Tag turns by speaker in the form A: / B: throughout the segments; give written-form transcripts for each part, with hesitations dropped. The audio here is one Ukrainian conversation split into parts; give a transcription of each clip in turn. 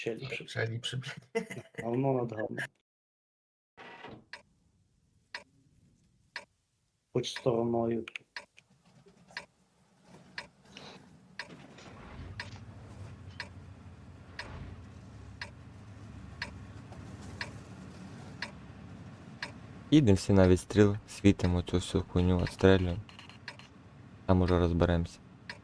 A: Ще ліпше.
B: Ще ліпше, блядь.
A: Говно над говном. Хоч стороною.
C: Їдемо всі на відстріл, світимо цю всю хуйню, відстрелюємо. Там уже розберемося.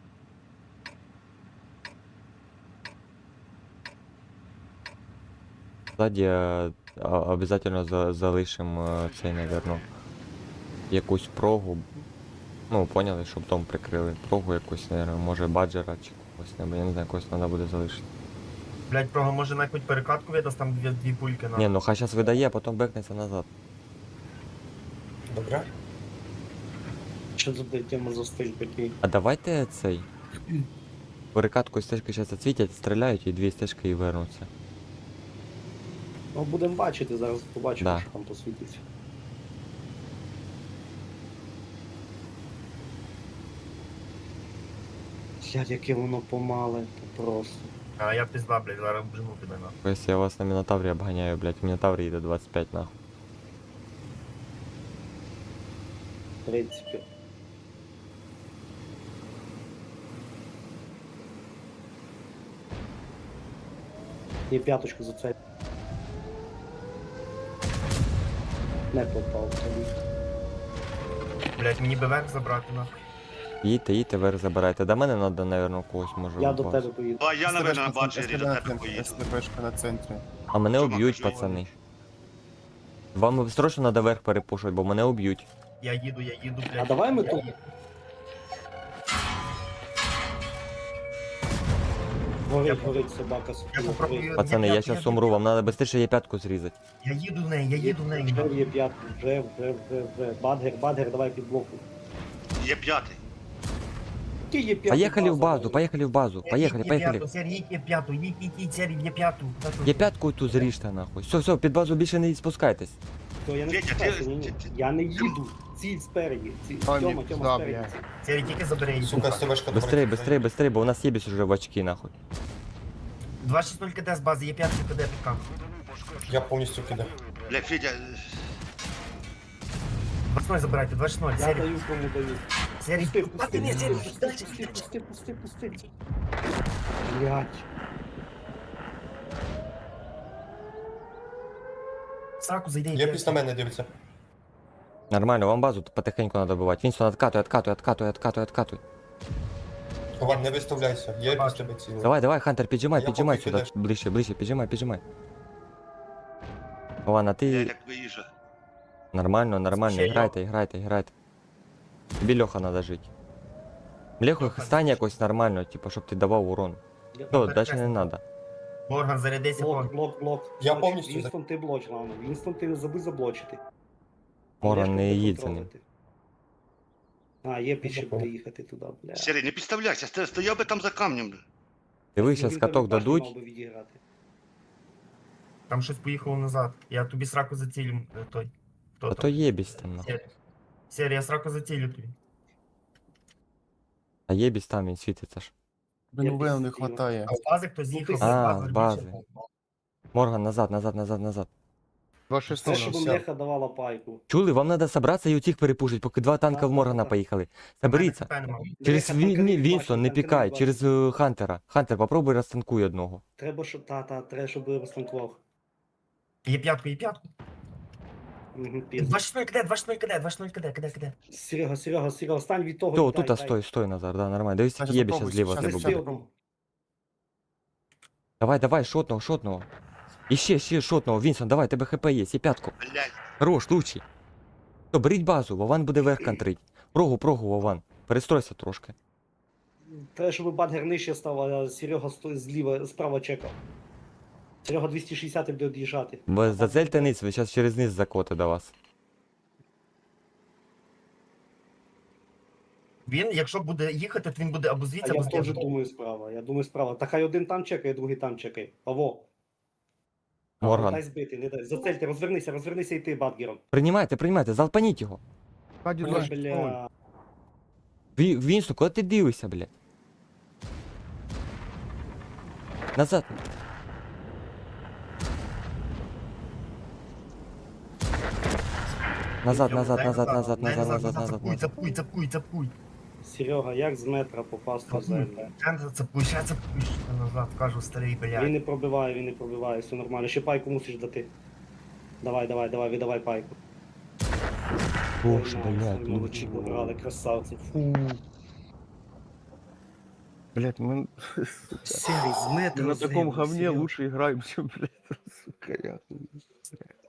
C: Ззаді обов'язково залишимо цей, наверно, якусь прогу. Ну, поняли, щоб дом прикрили. Прогу якусь, наверно, може баджера чи когось небудь, я не знаю, когось треба буде залишити.
B: Блядь, прого може на якусь перекатку видасть, там дві пульки на.
C: Ні, ну хай зараз видає, а потім бекнеться назад.
D: Добре?
A: Що за тема за стиль такий?
C: А давайте цей. Перекатку стежки зараз зацвітять, стріляють і дві стежки і вернуться.
A: Ну, будемо бачити, зараз побачимо,
C: Да.
A: що там посвітиться. Блядь, яке воно помале, то просто.
B: А я пізда, блядь, зараз бжину тебе нахуй.
C: Ось я вас на Мінотаврі обганяю, блядь, Мінотавр їде 25 нахуй.
A: В принципі. І п'яточку за це. Не попав тобі.
B: Блядь, мені би верх забрати нахуй.
C: Їдьте, вверх забирайте. До мене треба, наверно, когось може.
A: Я до
C: випасти.
A: тебе поїду.
E: А я, наверное, на баджері до тебе поїду.
D: СТПшка на центрі.
C: А мене
E: Чувак,
C: уб'ють,
E: кажу,
C: пацани. Вам срочно треба верх перепушувати, бо мене уб'ють.
B: Я їду, блядь.
A: А давай ми
B: Я
A: тут.
B: їду.
A: Горить собака
B: Я
A: спіла.
B: попробую.
C: Пацани, я зараз умру, вам треба швидше є п'ятку зрізати.
B: Я їду в неї.
A: Вже є п'ятку, вже. Бадгер, давай під блоку.
E: Є п'ятий.
A: Які є п'ятку?
C: Поїхали в базу, поїхали в базу. Поїхали.
B: Сері, їдь п'яту, їдь, Сері, є п'яту.
C: Є п'ятку ту зріжте нахуй. Все, під базу більше не спускайтесь.
A: Я не
E: Вітя,
A: спускаюся,
E: ти-
A: ні.
E: ти-
A: Я не їду. Ціль спереді.
D: Ой,
A: Тьома,
D: да,
A: спереді.
D: бля.
B: Сері, тільки забери її.
D: Сука, СТПшка
C: Быстрей, бо у нас єбісь уже в очки нахуй.
B: 260 КД з бази, є 5 КД під камп.
D: Я повністю кидаю.
E: Бля, Федя,
B: 2-0 забирайте, 2-0,
A: Я
B: Сері.
A: даю, кому даю.
B: Сері,
A: Пусти. Блять.
B: В сраку зайди.
D: Я після мене дивиться.
C: Нормально, вам базу потихеньку треба добивати. Вінсон, откатуй.
D: Ван, не виставляйся. Я після тебе цілий.
C: Давай, Хантер, піджимай
D: Я
C: сюди,
D: поки кидаю.
C: ближче, піджимай. Ладно,
E: я
C: ти
E: так виїжджа.
C: нормально,
B: Ще
C: грайте. Тобі Льоха треба жити. Леху
B: Льоха,
C: стань якось нормально, типу, щоб ти давав урон. Все, дальше не треба.
B: Морган, зарядися,
A: Блок.
D: Я
A: Блоч.
D: повністю за-
A: Вінстон, ти блоч, главное. Вінстон, ти не забудь заблочити.
C: Мора
A: Олешка
C: не
A: буде
C: їдь за ним.
A: контролити. А, є піші буде їхати туди, бля.
E: Сірий, не підставляйся, стояв би там за камнем. Бля.
C: Дивись, зараз
A: Він
C: каток
A: теж
C: дадуть.
A: мав би відіграти.
B: Там щось поїхало назад. Я тобі сраку зацілю, той. Хто
C: А
B: там?
C: то єбісь там нахуй.
B: Сері, я сраку зацілю тобі.
C: А єбісь там він світиться ж.
D: Блин,
A: Я
D: Вейл не
A: після
D: хватає.
B: А з бази хтось їхав.
C: А, з бази. Морган, назад.
D: 2-6
A: Це, щоб Леха давала пайку.
C: Чули, вам треба зібратися і у цих перепушить, поки два танка в Моргана поїхали. Соберіться. Через
A: Леха, танкери
C: Вінсон, не
A: бачить,
C: пікай,
A: танкери
C: через Хантера. Хантер, попробуй розтанкуй одного.
A: Треба, щоб треба, щоб розтанкував.
B: Є п'ятку.
A: Угу, пізно.
B: 2-0 КД.
A: Серега, стань від того.
C: Все,
A: і дай,
C: тут
A: дай.
C: стой, Назар, да, нормально. Дивись,
D: Значить,
C: єбі
D: попробуй,
C: зараз зліва
D: щас
C: тебе
A: Ти
D: зробимо.
C: буде.
A: стрілом.
C: Давай, шотного. Ще шотного, Вінсон, давай, тебе хп є, і п'ятку.
E: Блядь,
C: Хорош, лучший. Все, беріть базу, Вован буде верх контрить. Прогу, Вован. Перестройся трошки.
A: Треба, щоб Бадгер нижче став, а Серега зліва, справа чекав. Серега 260 буде від'їжджати.
C: Бо зацельте низ, ви зараз через низ закоти до вас.
B: Він, якщо буде їхати, то він буде або
A: А
B: звідси,
A: я
B: або
A: теж
B: звідси.
A: думаю справа. Я думаю справа. Та хай один там чекає, другий там чекає. Паво.
C: Морган.
A: Дай збити, не дай. Зацельте, розвернися і ти Бадгером.
C: Приймайте, залпаніть його.
A: Ой, бля.
C: Вінсон, куди ти дивишся, бля? Назад. Назад,
B: Йому
C: назад,
B: дай
C: назад, назад,
B: дай
C: назад, назад, назад,
B: Цапуй,
C: назад.
B: цапуй, цапуй, цапуй.
A: Серега, як з метра попасти в землю?
B: Цапуй, ще цапуй, ще назад, кажу, старий,
A: Він
B: блядь.
A: не пробиває, все нормально. Ще пайку мусиш дати. Давай, давай, давай, віддавай пайку.
C: Боже,
A: Ой,
C: блядь,
A: ми
C: лучик.
A: пограли, красавці. Фу.
F: Блять, мы
A: Серий, з метра
F: на таком
A: землю,
F: говне
A: Серега.
F: лучше играем, чем, блядь, сука, я.